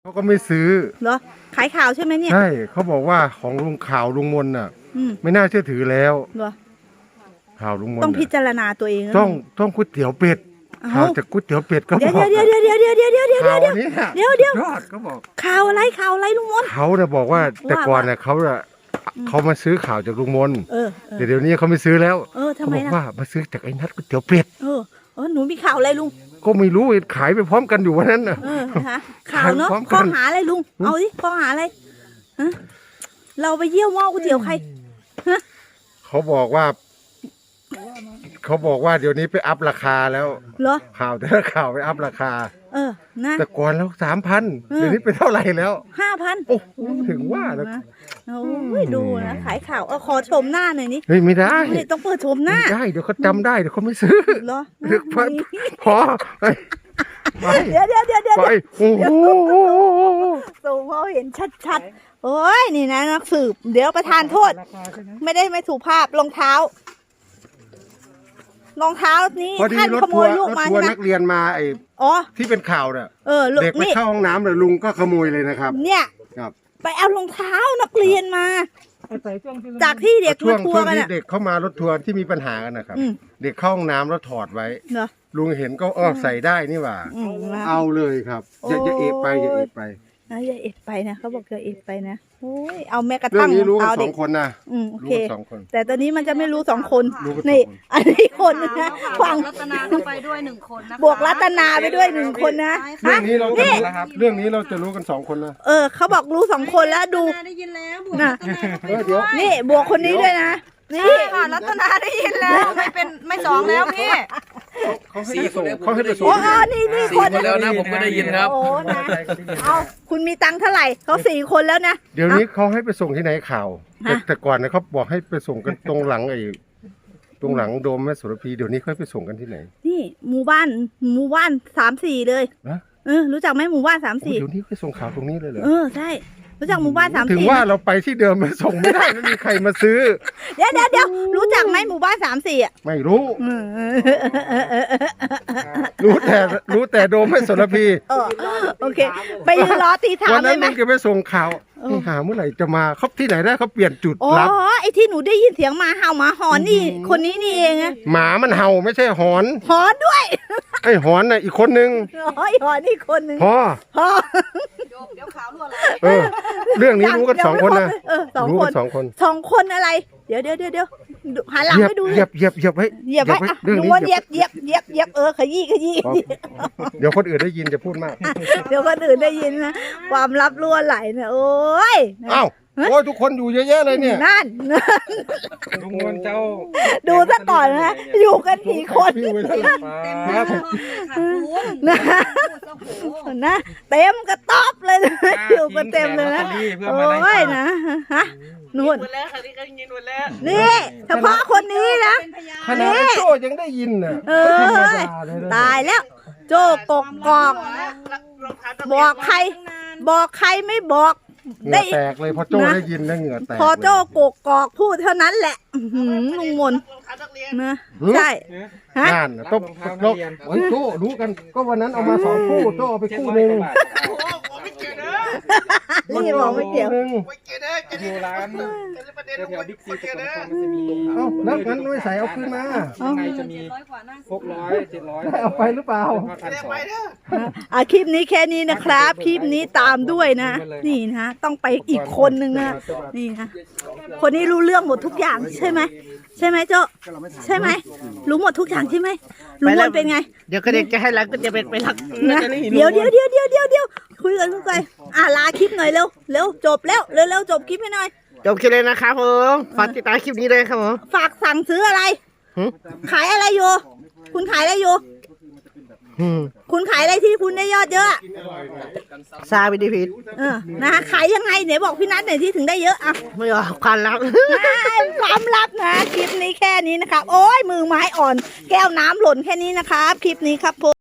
เขาก็ไม่ซื้อเหรอขายข่าวใช่ไหมเนี่ยใช่เขาบอกว่าของลุงข่าวลุงมนน่ะไม่น่าเชื่อถือแล้วเหรอข่าวลุงมนต้องพิจารณาตัวเองต้องก๋วยเตี๋ยวเป็ดข่าวจากก๋วยเตี๋ยวเป็ดก็บอกเดี๋ยวเขาบอกข่าวอะไรลุงมนเขาเนี่ยบอกว่าแต่ก่อนเนี่ยเขามาซื้อข่าวจากลุงมนแต่เดี๋ยวนี้เขาไม่ซื้อแล้วทำไมบอกว่ามาซื้อจากไอ้นัทก๋วยเตี๋ยวเป็ดหนูมีข่าวอะไรลุงก็ไม่รู้ขายไปพร้อมกันอยู่วันนั้นน่ะข่าวเนาะข้อหาอะไรลุงเอาดิข้อหาอะไรเราไปเยี่ยวหม้อก๋วยเตี๋ยวใครเขาบอกว่าเดี๋ยวนี้ไปอัพราคาแล้วเหรอข่าวแต่ละข่าวไปอัพราคานะแต่ก่อนแล้ว3,000เดี๋ยวนี้เป็นเท่าไหร่แล้ว 5,000 โอ้ถึงว่าแล้วโอ้ยดูนะขายข่าวขอชมหน้าหน่อยนี่ไม่ได้ต้องเปิดชมหน้าได้เดี๋ยวเขาจำได้เดี๋ยวเขาไม่ซื้อเหรอพอเดี๋ยวไปโอ้โหสูงเขาเห็นชัดๆโอ้ยนี่นะนักสืบเดี๋ยวประทานโทษไม่ถูกภาพรองเท้านี้ท่านขโมยลูกมาใช่ไหมนักเรียนมาที่เป็นข่าวเนี่ยเด็กไปเข้าห้องน้ำเลยลุงก็ขโมยเลยนะครับเนี่ยไปเอารองเท้านักเรียนมาจากที่เด็กรถทัวร์กันเด็กเข้ามารถทัวร์ที่มีปัญหากันนะครับเด็กเข้าห้องน้ำแล้วถอดไว้ลุงเห็นก็ใส่ได้นี่หว่าเอาเลยครับอย่าเอะไปอย่าเอะไปนะเขาบอกอย่าเอะไปนะโอ้ยเอาแม่กระทั่งเอาเด็ก2 คนนะโอเคแต่ตอนนี้มันจะไม่รู้2 คนนี่อันนี้คนนะฟังรัตนาไปด้วย1 คนนะบวกรัตนาไปด้วย1 คนนะเรื่องนี้เราจะรู้นะครับเรื่องนี้เราจะรู้กัน2 คนนะเขาบอกรู้2 คนแล้วดูได้ยินแล้วบวกนี่บวกคนนี้ด้วยนะนี่รัตนาได้ยินแล้วไม่2แล้วพี่เขาให้ไปส่งนี่คนแล้วนะผมก็ได้ยินครับโอ้นะเอาคุณมีตังค์เท่าไหร่เขา4 คนแล้วนะเดี๋ยวนี้เขาให้ไปส่งที่ไหนข่าวแต่ก่อนนะเขาบอกให้ไปส่งกันตรงหลังตรงหลังโดมแม่โสระพีเดี๋ยวนี้เขาไปส่งกันที่ไหนนี่หมู่บ้าน3-4เลยรู้จักไหมหมู่บ้าน3-4 เดี๋ยวนี้ไปส่งข่าวตรงนี้เลยเหรอใช่รู้จักหมู่บ้าน3-4 ถึงว่าเราไปที่เดิมมาส่งไม่ได้ไม่มีใครมาซื้อเดี๋ยวรู้จักไหมหมู่บ้าน3-4 ไม่รู้แต่โดมแม่โสระพีโอเคไปยืนรอตีถามวันนั้นลุงจะไปส่งข่าวหาเมื่อไหร่จะมาเขาที่ไหนได้เขาเปลี่ยนจุดรับไอ้ที่หนูได้ยินเสียงหมาเห่าหมาหอนนี่คนนี้นี่เองอะหมามันเห่าไม่ใช่หอนด้วยไอ้หอนน่ะอีกคนนึงหอนอีกคนนึงพอเดี๋ยวข่าวรั่วไหลเรื่องนี้รู้กัน2 คนนะรู้กัน 2 คนอะไรเดี๋ยวหันหลังให้ดูเหยียบไว้ลุงว่าเหยียบขยี้เดี๋ยวคนอื่นได้ยินจะพูดมากเดี๋ยวคนอื่นได้ยินนะความลับรั่วไหลนะโอ้ยโอ้ยทุกคนอยู่เยอะแยะเลยเนี่ยนั่นลุงมนเจ้าดูซะก่อนนะอยู่กันกี่คนนะเต็มกระต๊อบเลยนะอยู่กันเต็มเลยนะโอ้ยนะนู่นนี่เฉพาะคนนี้นะขนาดโจ้ยังได้ยินน่ะตายแล้วโจ้กอกบอกใครไม่บอกได้แตกเลยพอโจ้ได้ยินนะเหงื่อแตกพอโจ้กอกพูดเท่านั้นแหละลุงมนนะใช่นั่นต้องโอ้ยโจ้รู้กันก็วันนั้นเอามา2 คู่โจ้เอาไปคู่นึงนี่บอกไม่เกี่ยวอยู่ร้านแถวบิ๊กซีตะกอนมันจะมีแล้วงั้นไม่ใส่เอาขึ้นมาข้างในจะมี600 700 ได้เอาไปหรือเปล่าคลิปนี้แค่นี้นะครับคลิปนี้ตามด้วยนะนี่นะต้องไปอีกคนนึงนะนี่นะคนนี้รู้เรื่องหมดทุกอย่างใช่ไหมโจ้ใช่ไหมรู้หมดทุกอย่างใช่ไหมลุงมนเป็นไงเดี๋ยวก็เด็กจะให้รักก็จะเป็นไปรักนะเดี๋ยวคุยกันลาคลิปหน่อยเร็วจบแล้วเร็วจบคลิปให้หน่อยจบคลิปเลยนะครับผมฝากติดตามคลิปนี้เลยครับผมฝากสั่งซื้ออะไรขายอะไรอยู่คุณขายอะไรอยู่คุณขายอะไรที่คุณได้ยอดเยอะซาบิดีพิษนะขายยังไงไหนบอกพี่นัทหน่อยที่ถึงได้เยอะไม่หรอความลับนะคลิปนี้แค่นี้นะครับโอ้ยมือไม้อ่อนแก้วน้ำหล่นแค่นี้นะครับคลิปนี้ครับผม